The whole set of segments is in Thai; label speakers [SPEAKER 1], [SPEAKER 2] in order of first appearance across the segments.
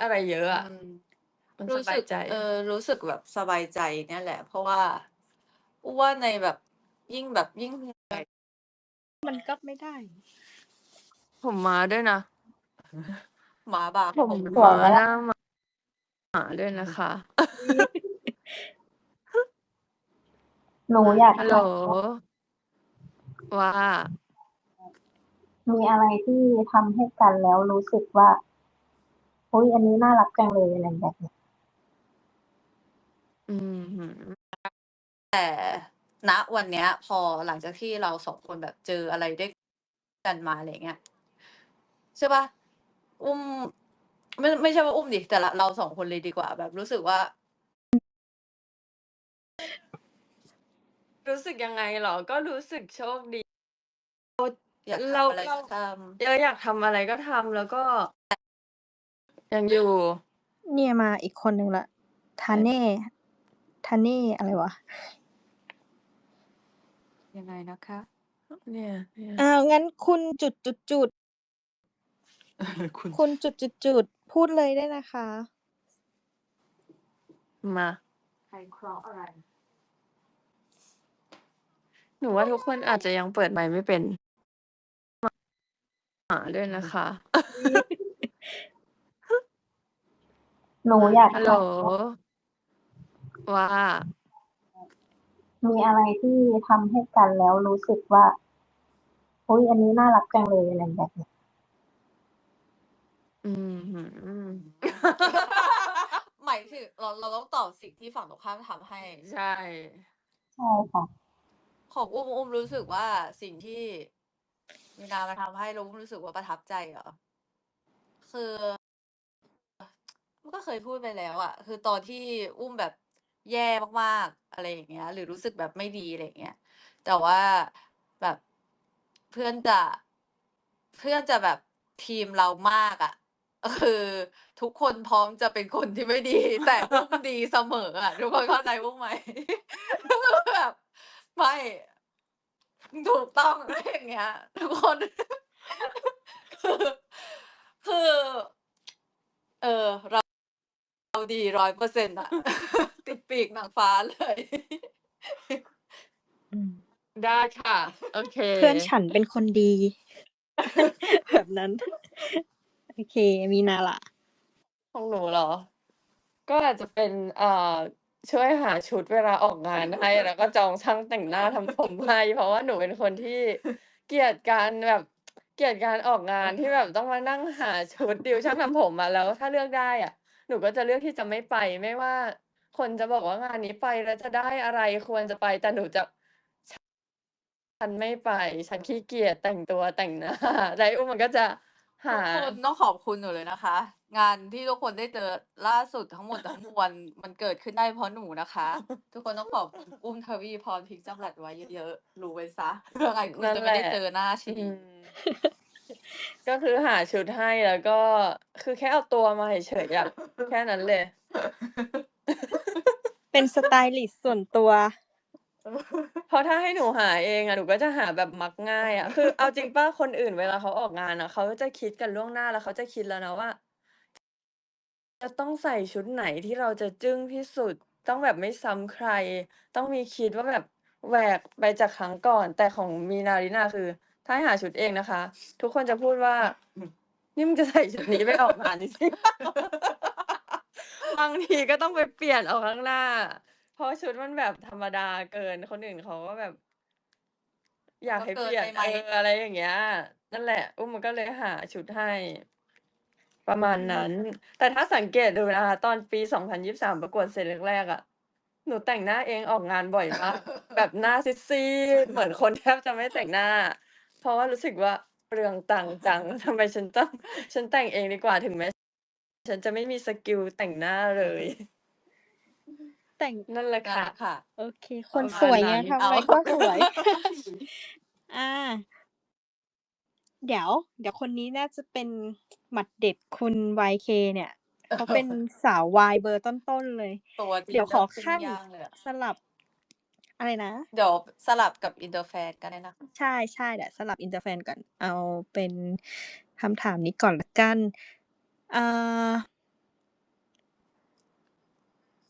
[SPEAKER 1] อะไรเยอะ
[SPEAKER 2] อื
[SPEAKER 1] อะ
[SPEAKER 2] ม
[SPEAKER 1] มัน
[SPEAKER 2] รู
[SPEAKER 1] ส้บา
[SPEAKER 2] สึ
[SPEAKER 1] ย
[SPEAKER 2] ก
[SPEAKER 1] ใจ
[SPEAKER 2] รู้สึกแบบสบายใจเนี่ยแหละ เพราะว่า อุ้มว่าในแบบ ยิ่งแบบ ยิ่ง
[SPEAKER 3] มันก็ไม่ได้
[SPEAKER 1] ผมม้าด้วยนะ
[SPEAKER 2] หมาบา
[SPEAKER 1] ผม
[SPEAKER 2] ผม
[SPEAKER 1] ม้าหน้า หมาด้วยนะคะ
[SPEAKER 4] หนูอยาก
[SPEAKER 1] ฮัล
[SPEAKER 4] ถ
[SPEAKER 1] โหล ว่า
[SPEAKER 4] มีอะไรที่ทำให้กันแล้วรู้สึกว่า อุ๊ย อันนี้น่ารักจังเลย อะไรแบบเนี้ย
[SPEAKER 1] อื้อฮือ
[SPEAKER 2] แต่ ณ วันเนี้ย พอหลังจากที่เรา 2 คนแบบเจออะไร ด้วย กันมา อะไรอย่างเงี้ย ใช่เปล่า? อุ้ม ไม่ใช่ว่าอุ้มสิ แต่เรา 2 คนเลยดีกว่า แบบรู้สึกว่า
[SPEAKER 1] รู้สึกยังไงเหรอ? ก็รู้สึกโชคดี
[SPEAKER 2] อยาก
[SPEAKER 1] เรา
[SPEAKER 2] ทำอะไรก็ทำ
[SPEAKER 1] อยากทำอะไรก็ทำ แล้วก็ ยังอยู่
[SPEAKER 3] เนี่ยมาอีกคนหนึ่งแล้ว ทาเน่ ทาเน่อะไรวะ?
[SPEAKER 2] ยังไงนะคะ?
[SPEAKER 1] เนี่ย
[SPEAKER 3] อ้าว งั้นคุณ จุด ๆ ๆ
[SPEAKER 2] คุณ
[SPEAKER 3] คุณ จุด ๆ ๆ พูดเลยได้นะคะ
[SPEAKER 1] มา
[SPEAKER 2] ใครเคราะห์อะไร?
[SPEAKER 1] หนูว่าทุกคนอาจจะยังเปิดไมค์ไม่เป็น หมาด้วยนะคะ
[SPEAKER 4] หนูอยาก
[SPEAKER 1] ฮัล
[SPEAKER 4] ถ
[SPEAKER 1] โหล ว่า
[SPEAKER 4] มีอะไรที่ทำให้กันแล้วรู้สึกว่า อุ๊ย อันนี้น่ารักจังเลย อะไรแบบเนี้ย
[SPEAKER 1] อื้อฮือ
[SPEAKER 2] หมายถึง เราต้องตอบสิ่งที่ฝั่งตรงข้ามทำให้
[SPEAKER 1] ใช่
[SPEAKER 4] ใช่ค่ะ
[SPEAKER 2] ของอุ้มรู้สึกว่า สิ่งที่มีนามาทำให้แล้วอุ้มรู้สึกว่าประทับใจเหรอ? คือ อุ้มก็เคยพูดไปแล้วอะ คือตอนที่อุ้มแบบแย่มาก ๆ อะไรอย่างเงี้ย หรือรู้สึกแบบไม่ดี อะไรอย่างเงี้ย แต่ว่าแบบเพื่อนจะแบบทีมเรามากอะ คือทุกคนพร้อมจะเป็นคนที่ไม่ดี แต่อุ้มดีเสมออะ ทุกคนเข้าใจอุ้มไหม? แบบ ไม่ ถูกต้อง อะไรอย่างเงี้ย ทุกคน คือ เราดี 100% อะ ติดปีกนางฟ้า เลย
[SPEAKER 3] อืม
[SPEAKER 1] ได้ค่ะ โอเค
[SPEAKER 3] เพื่อนฉันเป็นคนดี แบบนั้น โอเค มีนาล่ะ?
[SPEAKER 1] ของหนูเหรอ? ก็อาจจะเป็น ช่วยหาชุดเวลาออกงานให้ แล้วก็จองช่างแต่งหน้าทำผมให้ เพราะว่าหนูเป็นคนที่เกลียดการแบบ เกลียดการออกงานที่แบบต้องมานั่งหาชุดดีลช่างทำผมอะ แล้วถ้าเลือกได้อะ หนูก็จะเลือกที่จะไม่ไป ไม่ว่าคนจะบอกว่างานนี้ไปแล้วจะได้อะไร ควรจะไป แต่หนูจะ ฉันไม่ไป ฉันขี้เกียจแต่งตัวแต่ง หน้า แล้วไอ้อุ้มมันก็จะหา
[SPEAKER 2] ทุกคนต้องขอบคุณหนูเลยนะคะ งานที่ทุกคนได้เจอล่าสุดทั้งหมด ทั้งมวล มันเกิดขึ้นได้เพราะหนูนะคะ ทุกคนต้องขอบคุณ อุ้ม ทวีพร พริกจำรัดไว้เยอะ ๆ รู้ไว้เสีย เผื่อไงคุณ
[SPEAKER 1] นั่น
[SPEAKER 2] จะ
[SPEAKER 1] แห
[SPEAKER 2] ไม่
[SPEAKER 1] ละ
[SPEAKER 2] ได้เจอหน้าช
[SPEAKER 1] อื
[SPEAKER 2] ี
[SPEAKER 1] ม ก็คือหาชุดให้ แล้วก็ คือแค่เอาตัวมาเฉย ๆ อะ แค่นั้นเลย
[SPEAKER 3] เป็นสไตลิสต์ส่วนตัว
[SPEAKER 1] เพราะถ้าให้หนูหาเองอะ หนูก็จะหาแบบมักง่ายอะ คือเอาจริงเปล่า คนอื่นเวลาเขาออกงานอะ เขาจะคิดกันล่วงหน้า แล้วเขาจะคิดแล้วนะว่า จะต้องใส่ชุดไหนที่เราจะจึ้งที่สุด ต้องแบบไม่ซ้ำใคร ต้องมีคิดว่าแบบแหวกไปจากครั้งก่อน แต่ของมีนา ลิน่า คือถ้าให้หาชุดเองนะคะ ทุกคนจะพูดว่า "นี่มึงจะใส่ชุดนี้ไปออกงานจริง ๆ เปล่า?" บางทีก็ต้องไปเปลี่ยนเอาข้างหน้า เพราะชุดมันแบบธรรมดาเกิน คนอื่นเขาก็แบบ อยาก
[SPEAKER 2] ก็
[SPEAKER 1] ให้
[SPEAKER 2] เก
[SPEAKER 1] เปิลี่ยน
[SPEAKER 2] นไปไหม?
[SPEAKER 1] อะไรอย่างเงี้ย นั่นแหละ อุ้มมันก็เลยหาชุดให้ ประมาณนั้น แต่ถ้าสังเกตดูนะคะ ตอนปี 2023 ประกวดเสร็จแรก ๆ อะ หนูแต่งหน้าเองออกงานบ่อยมาก แบบหน้าซีด ๆ เหมือนคนแทบจะไม่แต่งหน้า เพราะว่ารู้สึกว่าเปลืองตังค์จัง ทำไมฉันต้อง ฉันแต่งเองดีกว่า ถึงแม้ ฉันจะไม่มีสกิลแต่งหน้าเลย
[SPEAKER 3] แต่ง
[SPEAKER 1] นั่นแหละ
[SPEAKER 2] นั่น
[SPEAKER 1] ค่ะ
[SPEAKER 2] แหละค่ะ
[SPEAKER 3] โอเค ค
[SPEAKER 1] ประ
[SPEAKER 3] น
[SPEAKER 1] มา
[SPEAKER 3] สวย
[SPEAKER 1] ณ
[SPEAKER 3] ไง
[SPEAKER 1] นั้น
[SPEAKER 3] ทำ
[SPEAKER 2] อ้า
[SPEAKER 3] อะไร
[SPEAKER 2] ว
[SPEAKER 3] ก็สวย อา เดี๋ยว คนนี้น่าจะเป็นหมัดเด็ด คุณ YK เนี่ย เขาเป็นสาววายเบอร์ต้น ๆ เลย
[SPEAKER 2] ตัวจริง
[SPEAKER 3] เดี๋ยวขอ
[SPEAKER 2] ปิ้
[SPEAKER 3] ขั้
[SPEAKER 2] ง
[SPEAKER 3] น
[SPEAKER 2] ย่างเลยอะ
[SPEAKER 3] สลับ อะไรนะ?
[SPEAKER 2] เดี๋ยวสลับกับอินเตอร์แฟนก็ได้นะคะ
[SPEAKER 3] ใช่ ๆ เดี๋ยวสลับอินเตอร์แฟนก่อน เอาเป็นคำถามนี้ก่อนแล้วกัน อ่า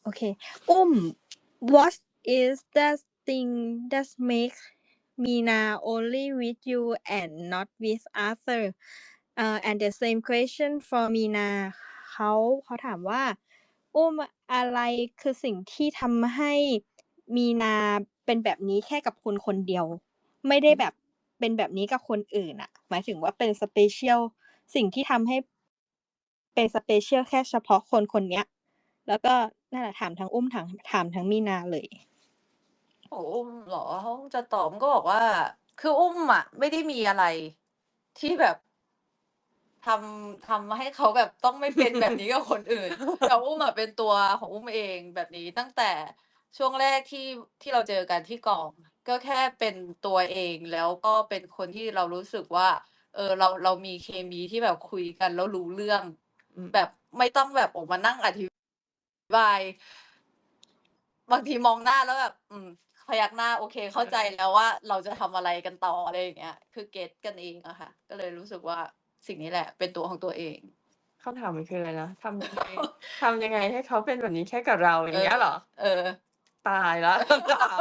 [SPEAKER 3] โอเค what is that thing that makes Mina only with you and not with Arthur and the same question for Mina เขาถามว่า อะไรคือสิ่งที่ทำให้มีนาเป็นแบบนี้แค่กับคนคนเดียว ไม่ได้แบบเป็นแบบนี้กับคนอื่นอะหมายถึงว่าเป็นสเปเชียลสิ่งที่ทำให้เป็นสเปเชียลแค่เฉพาะคนคนเนี้ย แล้วก็นั่นแหละถามทั้งถามทั้งมีนาเลย
[SPEAKER 2] โอ้อุ้มเหรอเขาจะตอบก็บอกว่า คืออุ้มอ่ะ ไม่ได้มีอะไร ที่แบบทำให้เขาแบบต้องไม่เป็นแบบนี้กับคนอื่น แต่อุ้มอ่ะเป็นตัวของอุ้มเองแบบนี้ตั้งแต่ช่วงแรกที่เราเจอกันที่กอง ก็แค่เป็นตัวเองแล้วก็เป็นคนที่เรารู้สึกว่า เรามีเคมีที่แบบคุยกันแล้วรู้เรื่อง แบบไม่ต้องแบบออกมานั่งอธิบาย บางทีมองหน้าแล้วแบบพยักหน้าโอเค เข้าใจแล้วว่าเราจะทำอะไรกันต่ออะไรอย่างเงี้ย คือเก็ตกันเองอะค่ะ ก็เลยรู้สึกว่าสิ่งนี้แหละ เป็นตัวของตัวเอง
[SPEAKER 1] คำถามมันคืออะไรนะทำยังไงให้เขาเป็นแบบนี้แค่กับเราอย่างเงี้ยเหรอ ตายแล้ว คำถาม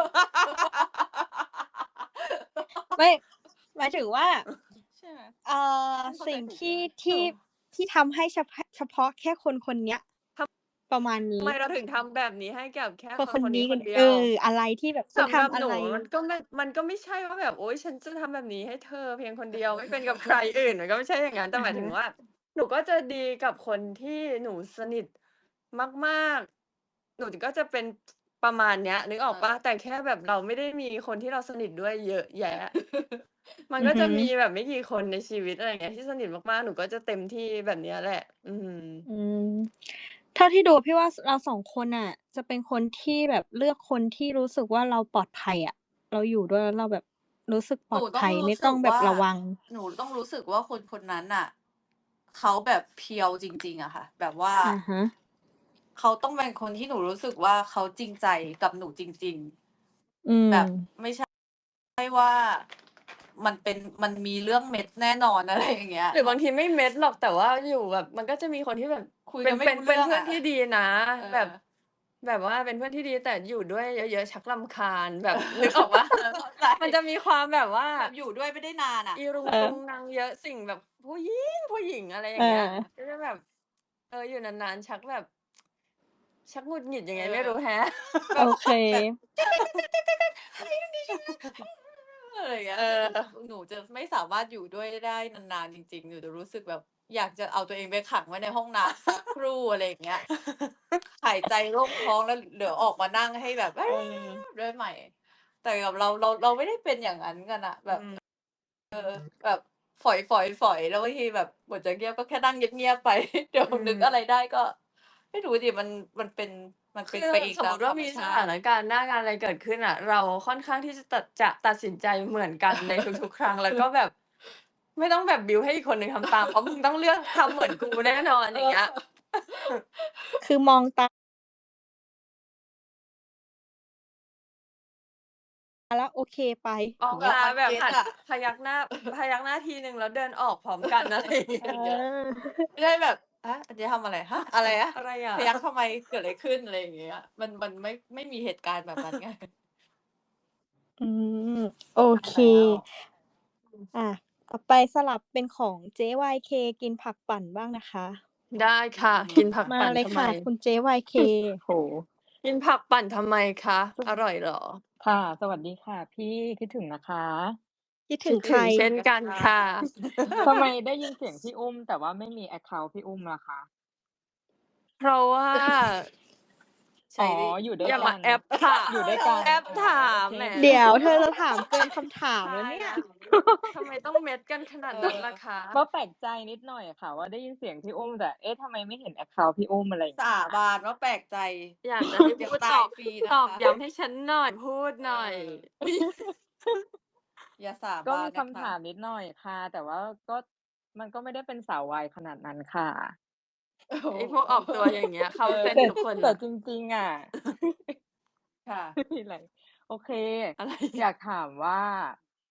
[SPEAKER 3] ไม่หมายถึงว่า
[SPEAKER 2] ใช่ไหม
[SPEAKER 3] สิ่งที่ทำให้เฉพาะแค่คนคนเนี้ย ประมาณ
[SPEAKER 1] ทำ
[SPEAKER 3] นี้
[SPEAKER 1] ไมเราถึงทำแบบนี้ให้กับแค่
[SPEAKER 3] คน
[SPEAKER 1] ค
[SPEAKER 3] คน น
[SPEAKER 1] นี้
[SPEAKER 3] นี้
[SPEAKER 1] ค
[SPEAKER 3] กัน
[SPEAKER 1] นเดีย
[SPEAKER 3] เอ
[SPEAKER 1] ว
[SPEAKER 3] อ อะไรที่แบบคุณ
[SPEAKER 1] สำหรับ
[SPEAKER 3] ทำอะ
[SPEAKER 1] หนู
[SPEAKER 3] ไร
[SPEAKER 1] มันก็ไม่ใช่ว่าแบบโอ๊ยฉันจะทำแบบนี้ให้เธอเพียงคนเดียว ไม่เป็นกับใครอื่น มันก็ไม่ใช่อย่างงั้น แต่หมายถึงว่า หนูก็จะดีกับคนที่หนูสนิทมาก ๆ หนูก็จะเป็นประมาณเนี้ย นึกออกเปล่า? แต่แค่แบบเราไม่ได้มีคนที่เราสนิทด้วยเยอะแยะ มันก็จะมีแบบไม่กี่คนในชีวิต อะไรอย่างเงี้ย ที่สนิทมาก ๆ หนูก็จะเต็มที่แบบเนี้ยแหละ
[SPEAKER 3] เท่าที่ดูพี่ว่าเรา 2 คนน่ะ จะเป็นคนที่แบบเลือกคนที่รู้สึกว่าเราปลอดภัยอะ เราอยู่ด้วยแล้วเราแบบรู้สึกปลอดภัย ไม่ต้องแบบระวัง
[SPEAKER 2] หนูต้องรู้สึกว่าคนคนนั้นน่ะ เขาแบบเพียวจริง ๆ อะค่ะ แบบว่า
[SPEAKER 3] อะฮะ
[SPEAKER 2] เขาต้องเป็นคนที่หนูรู้สึกว่าเขาจริงใจกับหนูจริง ๆ แบบไม่ ใช่ ว่ามันมีเรื่องเม็ดแน่นอน อะไรอย่างเงี้ย
[SPEAKER 1] หรือบางทีไม่เม็ดหรอก แต่ว่าอยู่แบบ มันก็จะมีคนที่แบบ
[SPEAKER 2] คุย
[SPEAKER 1] เป็
[SPEAKER 2] กัน นไม่
[SPEAKER 1] เป็น
[SPEAKER 2] รู้
[SPEAKER 1] เป็
[SPEAKER 2] เรื่
[SPEAKER 1] น
[SPEAKER 2] อง
[SPEAKER 1] เพื่อ
[SPEAKER 2] อะ
[SPEAKER 1] นที่ดีนะ
[SPEAKER 2] เออ
[SPEAKER 1] แบบว่าเป็นเพื่อนที่ดี แต่อยู่ด้วยเยอะ ๆ ชักรำคาญ แบบ นึกออกเปล่า?
[SPEAKER 2] เข้าใจ
[SPEAKER 1] มันจะมีความแบบว่า
[SPEAKER 2] แบบอยู่ด้วยไม่ได้นานอะ
[SPEAKER 1] อีรุง
[SPEAKER 3] เออ
[SPEAKER 1] ตุงนังเยอะ สิ่งแบบผู้หญิง อะไรอย่างเงี้ย ก็จะแบบ อยู่นาน ๆ ชักแบบ ชักหงุดหงิดยังไงไม่รู้แฮะ
[SPEAKER 3] โอเค
[SPEAKER 2] อะไรอย่างเงี้ย หนูจะไม่สามารถอยู่ด้วยได้นาน ๆ จริง ๆ หนูจะรู้สึกแบบอยากจะเอาตัวเองไปขังไว้ในห้องน้ำ สักครู่ อะไรอย่างเงี้ย หายใจโล่งท้องแล้วเดี๋ยวออกมานั่งให้แบบ ได้ใหม่ แต่กับเราไม่ได้เป็นอย่างนั้นกันน่ะ แบบ แบบฝอย ๆ ๆ แล้วบางทีแบบบทจะเงียบก็แค่นั่งเงียบ ๆ ไป เดี๋ยวนึกอะไรได้ก็ ไม่รู้สิ มันเป็น
[SPEAKER 1] คือ
[SPEAKER 2] ไปเอง
[SPEAKER 1] สม
[SPEAKER 2] ตาม
[SPEAKER 1] มุติว่า
[SPEAKER 2] ธรรม
[SPEAKER 1] มี
[SPEAKER 2] ช
[SPEAKER 1] ส
[SPEAKER 2] า
[SPEAKER 1] ถา
[SPEAKER 2] ติ
[SPEAKER 1] นการณ์หน้างานอะไรเกิดขึ้นอะ เราค่อนข้างที่จะตัดสินใจเหมือนกันในทุก ๆ ครั้ง แล้วก็แบบ ไม่ต้องแบบบิลด์ให้อีกคนหนึ่งทำตาม เพราะมึงต้องเลือกทำเหมือนกูแน่นอน อย่างเงี้ย
[SPEAKER 3] คือมองตา แล้วโอเคไป
[SPEAKER 1] ออก
[SPEAKER 3] อย่างเงี้ย
[SPEAKER 1] มาแบบ
[SPEAKER 2] เก็ต
[SPEAKER 1] หัน
[SPEAKER 2] อะ
[SPEAKER 1] พยักหน้าทีหนึ่งแล้วเดินออกพร้อมกัน อะไรอย่างเงี้ย
[SPEAKER 2] ไม่ได้แบบ ฮะ อันนี้ทำอะไร ฮะ อะไรนะ
[SPEAKER 1] อะไรอะ
[SPEAKER 2] พยักทำไม เกิดอะไรขึ้น อะไรอย่างเงี้ย มันไม่มีเหตุการณ์แบบนั้นไง
[SPEAKER 3] โอเค
[SPEAKER 2] แล้ว
[SPEAKER 3] ต่อไปสลับเป็นของเจ๊ YK กินผักปั่นบ้างนะคะ
[SPEAKER 1] ได้ค่ะ กินผัก
[SPEAKER 3] มา
[SPEAKER 1] ปั่น
[SPEAKER 3] เลย
[SPEAKER 1] ทำไม?
[SPEAKER 3] ค่ะ คุณเจ๊ YK
[SPEAKER 5] โอ้โฮ
[SPEAKER 1] กินผักปั่นทำไมคะ อร่อยเหรอ?
[SPEAKER 5] ค่ะ สวัสดีค่ะพี่ คิดถึงนะคะ
[SPEAKER 3] คิด
[SPEAKER 1] ค
[SPEAKER 3] ถึ
[SPEAKER 1] ิ
[SPEAKER 3] ง
[SPEAKER 1] ด
[SPEAKER 3] ใค
[SPEAKER 1] ถึ
[SPEAKER 3] ร?
[SPEAKER 1] งเช่นกันค่ะ
[SPEAKER 5] ทำไมได้ยินเสียงพี่อุ้ม แต่ว่าไม่มีแอ็กเคานต์พี่อุ้มล่ะคะ?
[SPEAKER 1] เพราะว่า
[SPEAKER 2] ใช
[SPEAKER 5] อ๋อ
[SPEAKER 2] ดิ
[SPEAKER 5] อยู่ด้ว
[SPEAKER 1] อย ย่า
[SPEAKER 5] กั
[SPEAKER 1] มาน แอปถาม
[SPEAKER 5] อยู่ด้วยกัน
[SPEAKER 1] แอป
[SPEAKER 5] อ๋อ
[SPEAKER 1] ถา
[SPEAKER 5] โอ
[SPEAKER 1] ม
[SPEAKER 5] เค
[SPEAKER 1] แหม
[SPEAKER 3] เดี๋ยวเธอจะถามเกินคำถามแล้วเนี่ย
[SPEAKER 1] ตายแล้ว ทำไมต้องเม็ดกันขนาดนั้นล่ะคะ?
[SPEAKER 5] ก็แปลกใจนิดหน่อยอะค่ะว่าได้ยินเสียงพี่อุ้ม แต่ เอ๊ะ ทำไมไม่เห็นแอ็กเคานต์พี่อุ้ม อะไรอย่าง
[SPEAKER 2] ส
[SPEAKER 5] เงี้ย
[SPEAKER 2] าบานว่าแปลกใจ
[SPEAKER 1] อยากจะให้
[SPEAKER 2] เดี๋ยว
[SPEAKER 1] พูด
[SPEAKER 2] ตา
[SPEAKER 1] ต
[SPEAKER 2] ย
[SPEAKER 1] อบ
[SPEAKER 2] ฟรีนะ
[SPEAKER 1] ตอบ
[SPEAKER 2] คะ
[SPEAKER 1] ย้ำให้ฉันหน่อย พูดหน่อย
[SPEAKER 2] อย่าสา
[SPEAKER 5] ก็
[SPEAKER 2] บาน
[SPEAKER 5] มี
[SPEAKER 2] นะ
[SPEAKER 5] คำ
[SPEAKER 2] ค
[SPEAKER 5] ถามนิดหน่อยค่ะ แต่ว่าก็ มันก็ไม่ได้เป็นสาววายขนาดนั้นค่ะ
[SPEAKER 2] โอ้โฮ
[SPEAKER 1] ไอ้พวกออกตัวอย่างเงี้ย เข้าเส้น
[SPEAKER 5] แต่
[SPEAKER 1] ทุกคน
[SPEAKER 5] แต่
[SPEAKER 1] น่ะ
[SPEAKER 5] จริง ๆ อะ
[SPEAKER 2] ค่ะ
[SPEAKER 5] ไม่มีไร โอเค
[SPEAKER 1] อะไร
[SPEAKER 5] อยากถามว่า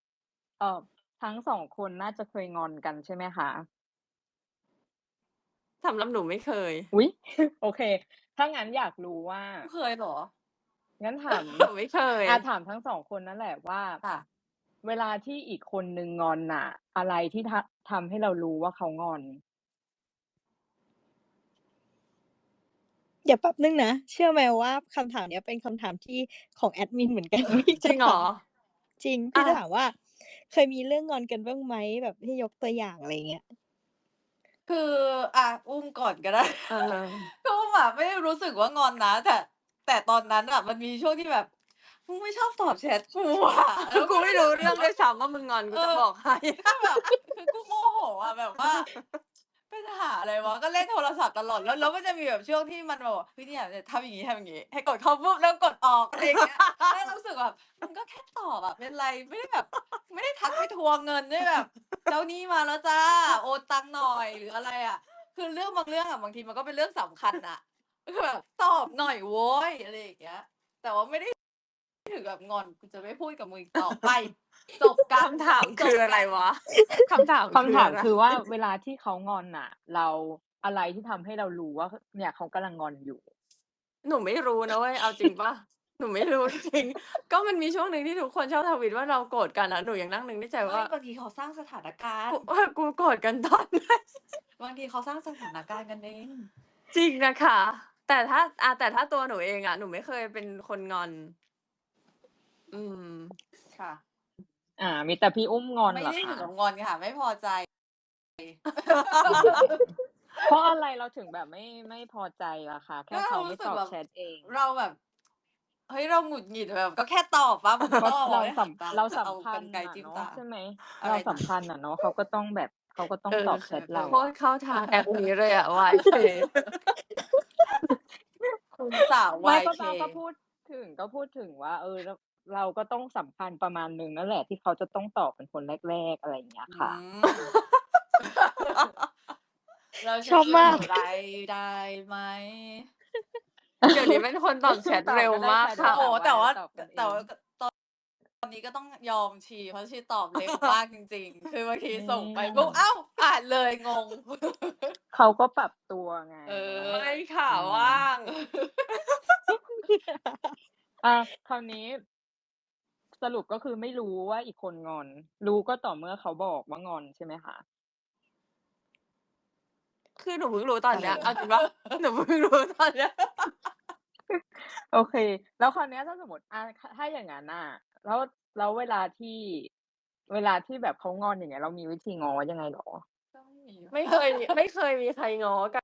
[SPEAKER 5] ทั้ง 2 คนน่าจะเคยงอนกันใช่ไหมคะ?
[SPEAKER 1] สำหรับหนูไม่เคย
[SPEAKER 5] อุ๊ย โอเค ถ้างั้นอยากรู้ว่า
[SPEAKER 2] เคยเหรอ
[SPEAKER 5] งั้นถาม
[SPEAKER 1] หนูไม่เคย
[SPEAKER 5] ถามทั้ง 2 คนนั่นแหละว่า
[SPEAKER 2] ค่ะ
[SPEAKER 5] เวลาที่อีกคนหนึ่งงอนน่ะ อะไรที่ทำให้เรารู้ว่าเขางอน?
[SPEAKER 3] เดี๋ยวแป๊บหนึ่งนะ เชื่อไหมว่าคำถามเนี้ยเป็นคำถามที่ของแอดมินเหมือนกัน พี่
[SPEAKER 1] จริงเหรอ?
[SPEAKER 3] จริง พี่จะถามว่า เคยมีเรื่องงอนกันบ้างไหม? แบบให้ยกตัวอย่าง อะไรอย่างเงี้ย
[SPEAKER 2] คือ อุ้มก่อนก็ได้
[SPEAKER 1] เออ
[SPEAKER 2] คืออุ้มอะไม่ได้รู้สึกว่างอนนะ แต่ตอนนั้นน่ะมันมีช่วงที่แบบ มึงไม่ชอบตอบแชตกูอะ แล้ว
[SPEAKER 1] กูไม่รู้เรื่องด้วยซ้ำว่ามึงงอน กูจะบอกให้
[SPEAKER 2] ก็แบบ คือกูโมโหอะแบบว่า เป็นหาอะไรวะ ก็เล่นโทรศัพท์ตลอด แล้วมันจะมีแบบช่วงที่มันแบบว่า เฮ้ย เนี่ยทำอย่างงี้ ให้กดเข้าปุ๊บ แล้วกดออก อะไรอย่างเงี้ย แล้วรู้สึกแบบมึงก็แค่ตอบอะเป็นไร ไม่ได้แบบ ไม่ได้ทักไปทวงเงินด้วยแบบ เจ้าหนี้มาแล้วจ้ะ โอนตังค์หน่อย หรืออะไรอะ คือเรื่องบางเรื่องอะบางทีมันก็เป็นเรื่องสำคัญน่ะ คือแบบตอบหน่อยโว้ย อะไรอย่างเงี้ย แต่ว่าไม่ได้ ถึงกับงอน กูจะไม่พูดกับมึงอีกต่อไป จบกัน
[SPEAKER 1] คำถามคืออะไรวะ? คำถาม
[SPEAKER 5] คำถาม
[SPEAKER 1] อะไร?
[SPEAKER 5] คือว่าเวลาที่เขางอนน่ะ อะไรที่ทำให้เรารู้ว่า เนี่ยเขากำลังงอนอยู่?
[SPEAKER 1] หนูไม่รู้นะเว้ย เอาจริงเปล่า? หนูไม่รู้ จริง ๆ ก็มันมีช่วงหนึ่งที่ทุกคนชอบทวิตว่าเราโกรธกันอะ หนูยังนั่งนึกในใจ
[SPEAKER 2] ไม่
[SPEAKER 1] ว่า
[SPEAKER 2] บางทีเขาสร้างสถานการณ์
[SPEAKER 1] กูโกรธกัน ตอนไหน?
[SPEAKER 2] บางทีเขาสร้างสถานการณ์กันเอง
[SPEAKER 1] จริงน่ะค่ะ แต่ถ้าตัวหนูเองอะ หนูไม่เคยเป็นคนงอน อืม
[SPEAKER 2] ค่ะ
[SPEAKER 5] มีแต่พี่อุ้มงอน
[SPEAKER 2] ไม่
[SPEAKER 5] เหรอ
[SPEAKER 2] ได้
[SPEAKER 5] ค
[SPEAKER 2] ถึงกั
[SPEAKER 5] ะ?
[SPEAKER 2] บงอนค่ะ ไม่พอใจ
[SPEAKER 5] เพราะอะไรเราถึงแบบไม่พอใจล่ะคะ? แค่
[SPEAKER 2] ก็
[SPEAKER 5] เขา
[SPEAKER 2] รู
[SPEAKER 5] ไม่
[SPEAKER 2] ้สึ
[SPEAKER 5] ตอบ
[SPEAKER 2] กแบบ
[SPEAKER 5] แชตเอง
[SPEAKER 2] เราแบบ เฮ้ย เราหงุดหงิดแบบ ก็แค่ตอบเปล่า มึง
[SPEAKER 5] เพราะ
[SPEAKER 2] ต้อง
[SPEAKER 5] เรา
[SPEAKER 2] ได้
[SPEAKER 5] สั
[SPEAKER 2] หางตา
[SPEAKER 5] เรา
[SPEAKER 2] จะ
[SPEAKER 5] สั
[SPEAKER 2] เอา
[SPEAKER 5] มพั
[SPEAKER 2] กร
[SPEAKER 5] น
[SPEAKER 2] ร
[SPEAKER 5] ธ์
[SPEAKER 2] ไกร
[SPEAKER 5] น่ะ
[SPEAKER 2] จิ้ม
[SPEAKER 5] เนาะ
[SPEAKER 2] ตา
[SPEAKER 5] ใช่ไหม?
[SPEAKER 2] อะ
[SPEAKER 5] เรา
[SPEAKER 2] ไร
[SPEAKER 5] สั
[SPEAKER 2] นะ?
[SPEAKER 5] มพันธ์น่ะเนาะ เขาก็ต้องแบบ เขาก็ต้องตอบแชตเรา
[SPEAKER 1] โคตรเข้าทางแอปนี้เลยอะ YK
[SPEAKER 2] คุณสาว
[SPEAKER 5] ไม่ ก็
[SPEAKER 2] YK
[SPEAKER 5] ก็พูดถึงว่า เราก็ต้องสัมพันธ์ประมาณหนึ่งนั่นแหละ ที่เขาจะต้องตอบเป็นคนแรก ๆ อะไรอย่างเงี้ยค่ะ
[SPEAKER 2] เรา
[SPEAKER 3] ชอบมาก
[SPEAKER 2] ไรได้ไหม?
[SPEAKER 1] เดี๋ยวนี้เป็นคนตอบแชตเร็วมากค่ะ
[SPEAKER 2] โอ้โฮ แต่ว่า
[SPEAKER 5] ตอบกันเอ
[SPEAKER 2] แต่
[SPEAKER 5] ง
[SPEAKER 2] ว่า ตอนนี้ก็ต้องยอมชี เพราะชีตอบเร็วมากจริง ๆ คือบางทีส่งไปปุ๊บ อ้าว อ่านเลยงง
[SPEAKER 5] เขาก็ปรับตัวไง
[SPEAKER 2] เออ
[SPEAKER 1] ไม่ค่ะ ว่าง
[SPEAKER 5] คราวนี้ สรุปก็คือไม่รู้ว่าอีกคนงอน รู้ก็ต่อเมื่อเขาบอกว่างอนใช่ไหมคะ?
[SPEAKER 1] คือหนูเพิ่งรู้ตอนเนี้ย
[SPEAKER 2] อะไร
[SPEAKER 1] เอาจริงเปล่า? หนูเพิ่งรู้ตอนเนี้ย
[SPEAKER 5] โอเค แล้วคราวเนี้ยถ้าสมมุติ ถ้าอย่างงั้นน่ะ แล้วเวลาที่แบบเขางอน อย่างเงี้ย เรามีวิธีง้อยังไงเหรอ?
[SPEAKER 1] ไม่เคยมีใครง้อ กัน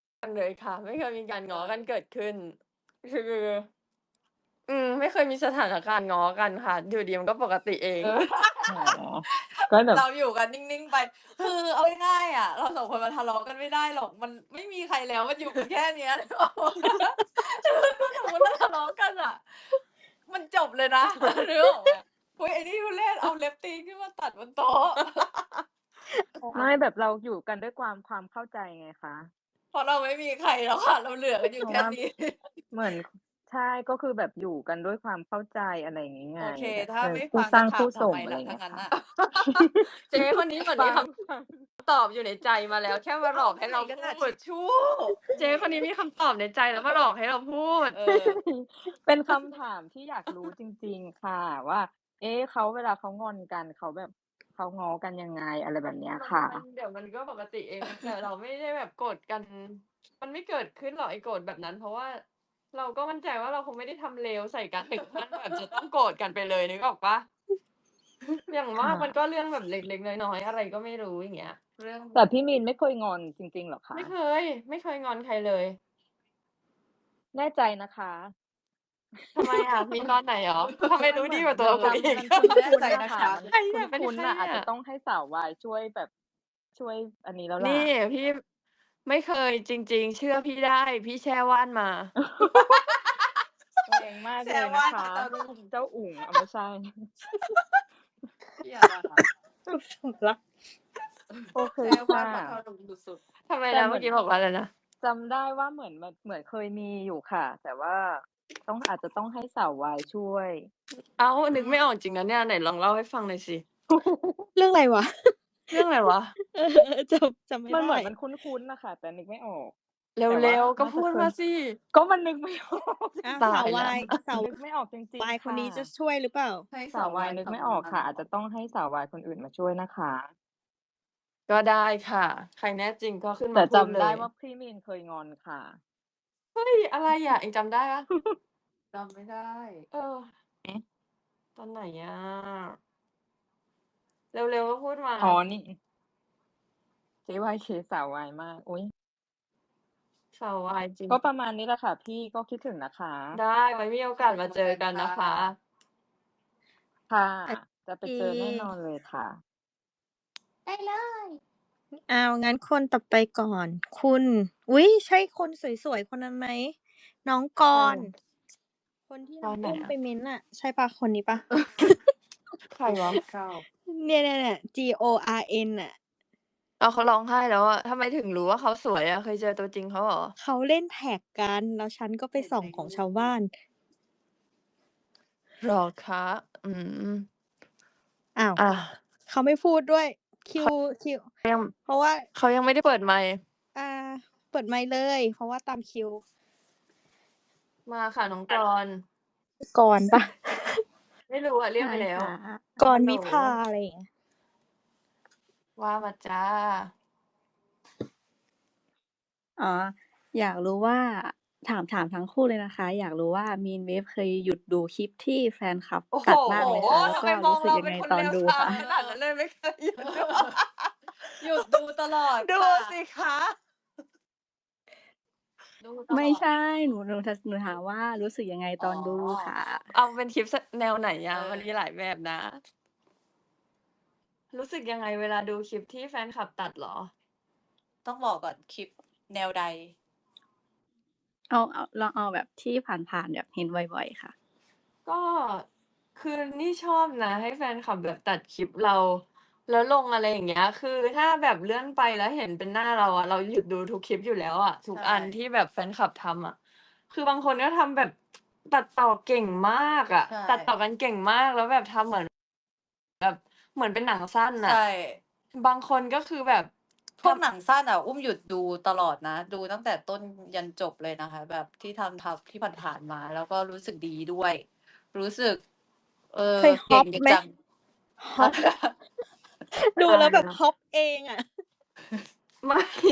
[SPEAKER 1] เลยค่ะ ไม่เคยมีการง้อกันเกิดขึ้น คือ ไม่เคยมีสถานการณ์ง้อกันค่ะ อยู่ดี ๆ มันก็ปกติเอง
[SPEAKER 5] อ๋อ ก็แบบ
[SPEAKER 2] เราอยู่กันนิ่ง ๆ ไป คือเอาง่าย ๆ อะ เรา 2 คนมันทะเลาะกันไม่ได้หรอก มันไม่มีใครแล้ว มันอยู่กันแค่เนี้ย นึกออกเปล่า? ถ้าสมมุติเราทะเลาะกันอะ มันจบเลยนะ นึกออกไหม? อุ๊ย ไอ้นี่ทุเรศ เอาเล็บตีนขึ้นมาตัดบนโต๊ะ
[SPEAKER 5] ไม่แบบเราอยู่กันด้วยความเข้าใจไงคะ
[SPEAKER 2] เพราะเราไม่มีใครแล้วค่ะ เราเหลือกันอยู่
[SPEAKER 5] เพราะ
[SPEAKER 2] แค่
[SPEAKER 5] ว่า
[SPEAKER 2] นี้
[SPEAKER 5] เหมือน ใช่ ก็คือแบบอยู่กันด้วยความเข้าใจ อะไรอย่างงี้ไง
[SPEAKER 2] โอเค
[SPEAKER 5] แบบ
[SPEAKER 2] ถ้าไม่
[SPEAKER 5] คู่
[SPEAKER 2] ฟัง
[SPEAKER 5] สร้าง
[SPEAKER 2] จะถา
[SPEAKER 5] คู่
[SPEAKER 2] มทำ
[SPEAKER 5] ส่ง
[SPEAKER 2] ไม
[SPEAKER 5] อะไร
[SPEAKER 2] ล่ะ
[SPEAKER 5] อย่าง
[SPEAKER 2] ถ้า
[SPEAKER 5] เงี้ย
[SPEAKER 2] งั้น
[SPEAKER 5] ค่ะ
[SPEAKER 2] น่ะ
[SPEAKER 1] เจ๊คนนี้เหมือนมีคำตอบอยู่ในใจมาแล้ว แค่มาหลอกให้เรา
[SPEAKER 2] กระดาษ
[SPEAKER 1] พู
[SPEAKER 2] ทิ
[SPEAKER 1] ด
[SPEAKER 2] ชชู่
[SPEAKER 1] เจ๊คนนี้มีคำตอบในใจ แล้วมาหลอกให้เราพูด
[SPEAKER 2] เออ
[SPEAKER 5] เป็นคำถามที่อยากรู้จริง ๆ ค่ะว่า เวลาเขางอนกัน เขาแบบ เขาง้อกันยังไง อะไรแบบเนี้ยค่ะ
[SPEAKER 1] เดี๋ยวมันก็ปกติเอง แต่เราไม่ได้แบบโกรธกัน มันไม่เกิดขึ้นหรอกไอ้โกรธแบบนั้น เพราะว่าเราก็มั่นใจว่าเราคงไม่ได้ทำเลวใส่กัน ถึงขั้นแบบจะต้องโกรธกันไปเลย นึกออกเปล่า? อย่างมากมันก็เรื่องแบบเล็ก ๆ น้อย ๆ อะไรก็ไม่รู้ อย่างเงี้ย เรื่อง
[SPEAKER 5] แต่พี่มีนไม่เคยงอนจริง ๆ เหรอคะ?
[SPEAKER 1] ไม่เคยงอนใครเลย
[SPEAKER 5] แน่ใจนะคะ
[SPEAKER 1] ทำไมอะ มีตอนไหนเหรอ? ทำไมรู้ดีกว่าตัวกูอีก
[SPEAKER 5] มันคุ้น
[SPEAKER 2] แน่ใจ
[SPEAKER 5] ๆ
[SPEAKER 2] นะ
[SPEAKER 5] นะคะ
[SPEAKER 2] คะ
[SPEAKER 5] มัน
[SPEAKER 1] ใครอะ เป็น
[SPEAKER 5] คุ้น
[SPEAKER 1] ใคร
[SPEAKER 5] ๆ น่ะ อาจ
[SPEAKER 1] อ
[SPEAKER 5] จะต้องให้สาววายช่วยแบบ ช่วยอันนี้แล้วล่ะ
[SPEAKER 1] นี่พี่ไม่เคยจริง ๆ เชื่อพี่ได้ พี่แช่ว่านมา
[SPEAKER 5] แรงมาก
[SPEAKER 2] แช
[SPEAKER 5] เลย
[SPEAKER 2] ร์
[SPEAKER 5] น
[SPEAKER 2] ว่า
[SPEAKER 5] ะคะ
[SPEAKER 2] เจ้ารุ่ง
[SPEAKER 5] เจ้าอุ๋ง ไม่ใช่
[SPEAKER 2] เหี้ยอะไรคะ?
[SPEAKER 3] สำลัก
[SPEAKER 5] โอเค
[SPEAKER 2] แชร์
[SPEAKER 5] ค
[SPEAKER 2] ว่า
[SPEAKER 5] ่ะ
[SPEAKER 2] เจ้ารุ่งสุด
[SPEAKER 1] ทำไม
[SPEAKER 5] แต่
[SPEAKER 1] นะ
[SPEAKER 5] เห
[SPEAKER 1] เม
[SPEAKER 5] มืื
[SPEAKER 1] ่อกี้บอกว่าอะไรนะ?
[SPEAKER 5] จำได้ว่าเหมือนเคยมีอยู่ค่ะ แต่ว่าอาจจะต้องให้สาววายช่วย
[SPEAKER 1] อ้าว
[SPEAKER 2] ๆ
[SPEAKER 1] นึกไม่ออกจริงนะเนี่ย ไหนลองเล่าให้ฟังหน่อยสิ
[SPEAKER 3] เรื่องอะไรวะ?
[SPEAKER 1] เรื่องอะไรวะ
[SPEAKER 3] จำไม่
[SPEAKER 5] มันเหมื
[SPEAKER 3] ได้
[SPEAKER 5] อนมันคุ้นๆน่ะค่ะ แต่นึกไม่ออก
[SPEAKER 1] เ
[SPEAKER 5] แต่ว่า
[SPEAKER 1] ร็วๆ ก็
[SPEAKER 5] น่า
[SPEAKER 1] พู
[SPEAKER 5] จะ
[SPEAKER 1] ด
[SPEAKER 5] เค
[SPEAKER 1] มาย สิ
[SPEAKER 5] ก็มันนึกไม่ ออก
[SPEAKER 3] อ้าว
[SPEAKER 1] ตา
[SPEAKER 3] สาวย
[SPEAKER 1] แล้ว
[SPEAKER 3] วาย สาว
[SPEAKER 5] นึกไม่ออกจริ
[SPEAKER 3] วาง ย
[SPEAKER 5] ๆ
[SPEAKER 3] คน
[SPEAKER 5] ค่
[SPEAKER 3] นี้จะ
[SPEAKER 5] ะ
[SPEAKER 3] ช่วยหรือเปล่า?
[SPEAKER 2] ให้
[SPEAKER 5] สาววายนึกไม่ออกค่ะ อาจจะต้องให้สาววายคนอื่นมาช่วยนะคะ
[SPEAKER 1] ก็ได้ค่ะ ใครแน่จริงก็ขึ้น
[SPEAKER 5] แต่
[SPEAKER 1] มาพู
[SPEAKER 5] จ
[SPEAKER 1] ด
[SPEAKER 5] ำ
[SPEAKER 1] เล
[SPEAKER 5] ได้
[SPEAKER 1] ย
[SPEAKER 5] ว่าพี่มีนเคยงอนค่ะ
[SPEAKER 1] เฮ้ย อะไรอะ เองจำได้เปล่า?
[SPEAKER 2] จำไม่ได้
[SPEAKER 1] เออ
[SPEAKER 5] เอ๊ะ
[SPEAKER 1] ตอนไหนอะ? เร็ว ๆ ก็พูดมา
[SPEAKER 5] อ๋อ นี่ JYK สาววายมาก อุ๊ย
[SPEAKER 1] สาววายจริง
[SPEAKER 5] ก็ประมาณนี้แหละค่ะพี่ ก็คิดถึงนะคะ
[SPEAKER 1] ได้ ไว้มีโอกาสมาเจอกันนะคะ
[SPEAKER 5] ค่ะ
[SPEAKER 3] โอ
[SPEAKER 5] จะไป
[SPEAKER 3] เค
[SPEAKER 5] เจอแน่นอนเลยค่ะ
[SPEAKER 2] ได้เลย
[SPEAKER 3] อ้าว งั้นคนต่อไปก่อน คุณ อุ๊ย ใช่คนสวย ๆ คนนั้นไหม? น้องก
[SPEAKER 1] ใคร
[SPEAKER 3] ร
[SPEAKER 1] อะ?
[SPEAKER 3] คนที่
[SPEAKER 1] ก
[SPEAKER 3] น้อง
[SPEAKER 1] ไหน
[SPEAKER 3] อุ้ม
[SPEAKER 1] อะ?
[SPEAKER 3] ไปเม้นต์น่ะ ใช่เปล่า คนนี้เปล่า?
[SPEAKER 1] ใครวะ?
[SPEAKER 3] เนี่ย ๆ ๆ GORN น่ะ
[SPEAKER 1] อ้าว เขาร้องไห้แล้วอะ ทำไมถึงรู้ว่าเขาสวยอะ เคยเจอตัวจริงเขาเหรอ?
[SPEAKER 3] เขาเล่นแท็กกัน แล้วฉันก็ไป
[SPEAKER 2] เห็น
[SPEAKER 3] ส่อง
[SPEAKER 2] ใน
[SPEAKER 3] ของ
[SPEAKER 2] รู
[SPEAKER 3] ชาวบ้าน
[SPEAKER 1] เหรอคะ? อืม
[SPEAKER 3] อ้าว
[SPEAKER 1] อา
[SPEAKER 3] เขาไม่พูดด้วย คิว คิว
[SPEAKER 1] เขายัง
[SPEAKER 3] เพราะว่า
[SPEAKER 1] เขายังไม่ได้เปิดไมค์
[SPEAKER 3] อา เปิดไมค์เลย เพราะว่าตามคิว
[SPEAKER 1] มาค่ะน้องกร
[SPEAKER 3] กรเปล่า?
[SPEAKER 1] ไม่รู้อะ เรียก
[SPEAKER 5] ใช่
[SPEAKER 1] ไปแล้ว
[SPEAKER 5] ค่ะ
[SPEAKER 3] กร
[SPEAKER 1] ฮัลโหล
[SPEAKER 3] วิภา อะไรอย่างเงี้ย
[SPEAKER 1] ว่ามาจ้ะ
[SPEAKER 6] อ๋อ อยากรู้ว่า ถามทั้งคู่เลยนะคะ อยากรู้ว่า Meanwave เคยหยุดดูคลิปที่แฟนคลับ
[SPEAKER 1] โอ้โฮ
[SPEAKER 6] ตัดบ้างไหมคะ? แล้ว
[SPEAKER 1] ทำ
[SPEAKER 6] ก็
[SPEAKER 1] ไมม
[SPEAKER 6] รู
[SPEAKER 1] อ้ง
[SPEAKER 6] สึ
[SPEAKER 1] เร
[SPEAKER 6] ก
[SPEAKER 1] า
[SPEAKER 6] ยัง
[SPEAKER 1] เป็
[SPEAKER 6] ไง
[SPEAKER 1] นคน
[SPEAKER 6] ตอ
[SPEAKER 1] เล
[SPEAKER 6] น
[SPEAKER 1] ว
[SPEAKER 6] ดู
[SPEAKER 1] ทราม
[SPEAKER 6] คะ?
[SPEAKER 1] ขนาดนั้นเลย ไม่เคยหยุดดู
[SPEAKER 2] หยุดดูตลอด
[SPEAKER 1] ดู
[SPEAKER 2] ค่ะ
[SPEAKER 1] สิคะ
[SPEAKER 2] ดูต
[SPEAKER 6] ไม่
[SPEAKER 2] ลอด
[SPEAKER 6] ใช่ หนูถามว่ารู้สึกยังไงตอนดู
[SPEAKER 2] อ๋อ
[SPEAKER 6] ค่ะ?
[SPEAKER 1] เอาเป็นคลิป ส แนวไหนอะ?
[SPEAKER 2] เออ
[SPEAKER 1] มันมีหลายแบบนะ รู้สึกยังไงเวลาดูคลิปที่แฟนคลับตัดเหรอ?
[SPEAKER 2] ต้องบอกก่อน คลิปแนวใด?
[SPEAKER 6] ลองเอาแบบที่ผ่าน ๆ แบบเห็นบ่อย ๆ ค่ะ
[SPEAKER 1] ก็ คือนี่ชอบนะให้แฟนคลับแบบตัดคลิปเรา แล้วลง อะไรอย่างเงี้ย คือถ้าแบบเลื่อนไปแล้วเห็นเป็นหน้าเราอะ เราหยุดดูทุกคลิปอยู่แล้วอะ ทุ
[SPEAKER 2] ใช
[SPEAKER 1] กอันที่แบบแฟนคลับทำอะ คือบางคนก็ทำแบบ ตัดต่อเก่งมากอะ
[SPEAKER 2] ใช่
[SPEAKER 1] ตัดต่อกันเก่งมาก แล้วแบบทำเหมือน แบบเหมือนเป็นหนังสั้น
[SPEAKER 2] ใช
[SPEAKER 1] น่ะ
[SPEAKER 2] ่
[SPEAKER 1] บางคนก็คือแบบ
[SPEAKER 2] พวก
[SPEAKER 1] ทำ
[SPEAKER 2] หนังสั้นอะ อุ้มหยุดดูตลอดนะ ดูตั้งแต่ต้นยันจบเลยนะคะ แบบที่ทำที่ผ่านๆมา แล้วก็รู้สึกดีด้วย รู้สึก
[SPEAKER 3] เคยฮ
[SPEAKER 2] เก่
[SPEAKER 3] อง ป
[SPEAKER 2] กัน
[SPEAKER 3] ไหม?
[SPEAKER 2] จัง
[SPEAKER 3] ฮอป ดู
[SPEAKER 1] อะ
[SPEAKER 3] แล้วแบบ
[SPEAKER 1] ไรนะ?
[SPEAKER 3] ฮอปเองอะ
[SPEAKER 1] ไม่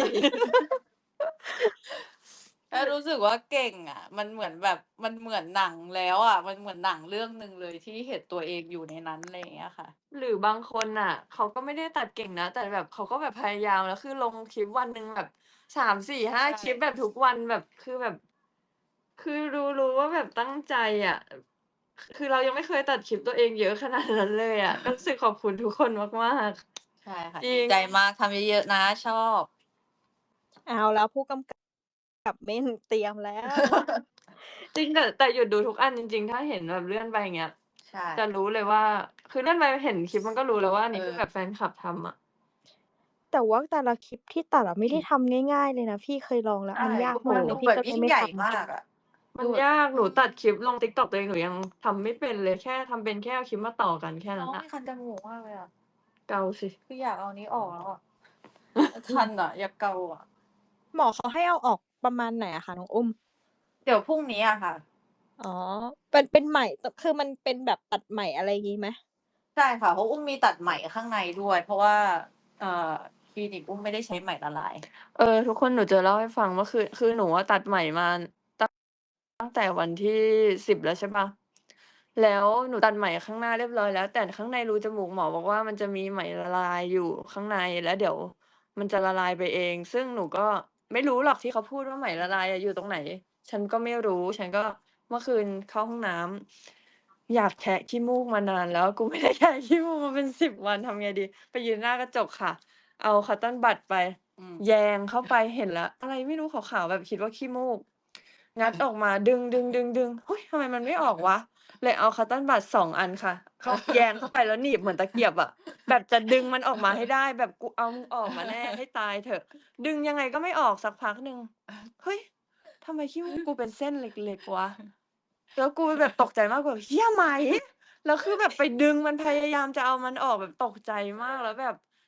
[SPEAKER 2] แล้วรู้สึกว่าเก่งอะ มันเหมือนแบบ มันเหมือนหนังแล้วอะ มันเหมือนหนังเรื่องหนึ่งเลยที่เห็นตัวเองอยู่ในนั้น อะไรอย่างเงี้ยค่ะ
[SPEAKER 1] หรือบางคนน่ะ เขาก็ไม่ได้ตัดเก่งนะ แต่แบบเขาก็แบบพยายาม แล้วคือลงคลิปวันหนึ่งแบบ 3-4-5
[SPEAKER 2] ใช่
[SPEAKER 1] คลิปแบบทุกวัน แบบ คือแบบ คือรู้ว่าแบบตั้งใจอะ คือเรายังไม่เคยตัดคลิปตัวเองเยอะขนาดนั้นเลยอะ ก็รู้สึกขอบคุณทุกคนมาก
[SPEAKER 2] ใช่ค่ะ
[SPEAKER 1] ๆ จริ
[SPEAKER 2] ดี
[SPEAKER 1] ง
[SPEAKER 2] ใจมาก ทำเยอะ ๆ นะ ชอบ
[SPEAKER 3] เอาแล้ว ผู้กำกับเม่น เตรียมแล้ว
[SPEAKER 1] จริง แต่หยุดดูทุกอันจริง ๆ ถ้าเห็นแบบเลื่อนไปอย่างเงี้ย
[SPEAKER 2] ใช่
[SPEAKER 1] จะรู้เลยว่า คือเลื่อนไปเห็นคลิปมันก็รู้แล้วว่า อันนี้คือแบบแฟนคลับทำอะ
[SPEAKER 3] แต่ว่าแต่ละคลิปที่ตัดอะไม่ได้ทำง่าย ๆ เลยนะ พี่เคยลองแล้ว
[SPEAKER 2] ใช่
[SPEAKER 3] มันยาก
[SPEAKER 1] โอ้โฮ
[SPEAKER 3] มากเล
[SPEAKER 2] ดู
[SPEAKER 3] ย พี่
[SPEAKER 2] แบบ
[SPEAKER 3] ก็เล
[SPEAKER 2] ยิ่
[SPEAKER 3] ย
[SPEAKER 2] ง
[SPEAKER 3] ไม่
[SPEAKER 2] ใหญ่
[SPEAKER 3] ทำ
[SPEAKER 2] มากอะ
[SPEAKER 1] มั
[SPEAKER 2] ดู
[SPEAKER 1] น
[SPEAKER 2] แบบ
[SPEAKER 1] ยาก หนูตัดคลิปลง TikTok ตัวเอง หนูยังทำไม่เป็นเลย แค่ทำเป็นแค่เอาคลิปมาต่อกันแค่
[SPEAKER 2] น้
[SPEAKER 1] นั้
[SPEAKER 2] อน ง
[SPEAKER 1] น่ะ
[SPEAKER 2] มีคันจมูกมากเลยอะ
[SPEAKER 1] เกาสิ
[SPEAKER 2] คืออยากเอาอันนี้ออกแล้วอะ คันอะ อยากเกาอะ
[SPEAKER 3] หมอเขาให้เอาออกประมาณไหนอะคะน้องอุ้ม?
[SPEAKER 2] เดี๋ยวพรุ่งนี้อะค่ะ
[SPEAKER 3] อ๋อ เป็นไหม คือมันเป็นแบบตัดไหม อะไรงี้ไหม?
[SPEAKER 2] ใช่ค่ะ เพราะอุ้มมีตัดไหมข้างในด้วย เพราะว่า คลินิกอุ้มไม่ได้ใช้ไหมละลาย
[SPEAKER 1] ทุกคนหนูจะเล่าให้ฟังว่า คือหนูอะตัดไหมมา ตั้งแต่วันที่ 10 แล้วใช่เปล่า แล้วหนูตัดไหมข้างหน้าเรียบร้อยแล้ว แต่ข้างในรูจมูกหมอบอกว่า มันจะมีไหมละลายอยู่ข้างใน แล้วเดี๋ยวมันจะละลายไปเอง ซึ่งหนูก็ไม่รู้หรอกที่เขาพูดว่าไหมละลายอะอยู่ตรงไหน ฉันก็ไม่รู้ ฉันก็เมื่อคืนเข้าห้องน้ำ อยากแคะขี้มูกมานานแล้ว กู ไม่ได้แคะขี้มูกมาเป็น 10 วัน ทำไงดี ไปยืนหน้ากระจกค่ะ เอา cotton bud ไป
[SPEAKER 2] อืม
[SPEAKER 1] แยงเข้าไป เห็นแล้ว อะไรไม่รู้ขาว ๆ แบบคิดว่าขี้มูก งัดออกมาดึง ๆ ๆ ๆ เฮ้ย ทำไมมันไม่ออกวะ เลยเอา cotton bud 2 อันค่ะ แยงเข้าไปแล้วหนีบเหมือนตะเกียบอะ แบบจะดึงมันออกมาให้ได้ แบบกูเอามึงออกมาแน่ให้ตายเถอะ ดึงยังไงก็ไม่ออกสักพักหนึ่ง เฮ้ย ทำไมขี้มูกกูเป็นเส้นเล็ก ๆ วะ แล้วกูแบบตกใจมาก แบบเหี้ยไหม แล้วคือแบบไปดึงมัน พยายามจะเอามันออกแบบตกใจมาก แล้วแบบ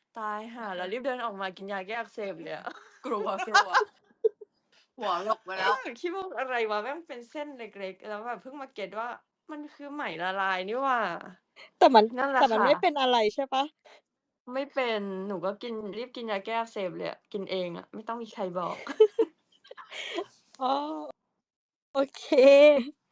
[SPEAKER 1] ตายห่าแล้วรีบเดินออกมากินยาแก้อักเสบเลยอะ
[SPEAKER 2] กลัวหัวหลบไปแล้ว
[SPEAKER 1] คิดว่าอะไรวะแม่งเป็นเส้นเล็กๆ แล้วแบบเพิ่งมาเก็ตว่ามันคือไหมละลายนี่หว่า
[SPEAKER 3] แต่มัน
[SPEAKER 1] นั่นแหละ
[SPEAKER 3] แต่มัน
[SPEAKER 1] ค่ะ
[SPEAKER 3] ไม่เป็นอะไรใช่ปะ
[SPEAKER 1] ไม่เป็นหนูก็รีบกินยาแก้อักเสบเลยอะกินเองอะไม่ต้องมีใครบอก
[SPEAKER 3] อ๋อ โอเค